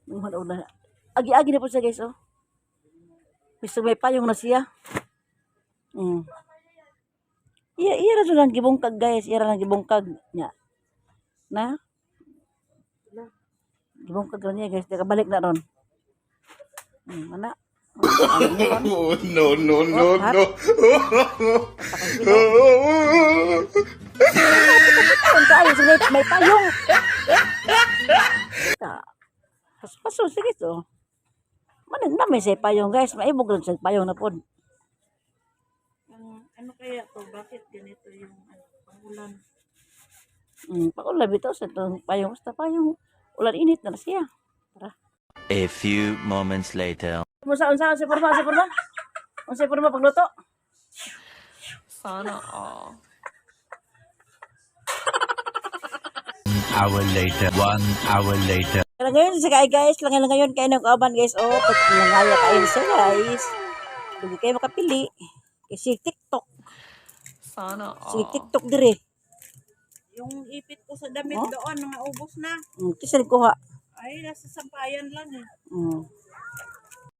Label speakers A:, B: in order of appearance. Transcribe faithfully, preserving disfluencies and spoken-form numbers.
A: Una-una. Agi-agi na po siya guys, oh. Gusto may payong na siya. Mm. Iya, iya ra lang gibungkag guys, iya ra lang gibungkag nya. Na? Gibungkag ra niya guys, balik na ron. Hmm, ana.
B: Oh, no, no, no,
A: Oh,
B: no.
A: Ang kayo, sige, may payong. Ta. Paso, sige to. Manin na may say payong guys, maibog lang sa payong na pod.
C: Ang ano kaya to? Bakit ganito yung ano, pangulan?
A: Hmm, pakulan bitaw sa itong payong. Basta payong, ulan init na na siya. Tara.
D: A few moments later.
A: Unsa unsa unsa porma, unsa porma? Unsa porma pagluto?
C: Sana all.
D: Hour later. One hour later.
A: Kaya ngayon sa kay guys, lang lang ngayon kay nang kauban guys. Oh, pag nangaya kayo sa guys. Hindi kayo makapili. Kasi TikTok.
C: Sana
A: Si
C: all.
A: TikTok dire.
C: Yung ipit ko sa damit
A: Oh?
C: doon, mga ubos na.
A: Hmm, kisa kuha.
C: Ay, nasa sampayan lang eh.
A: Hmm.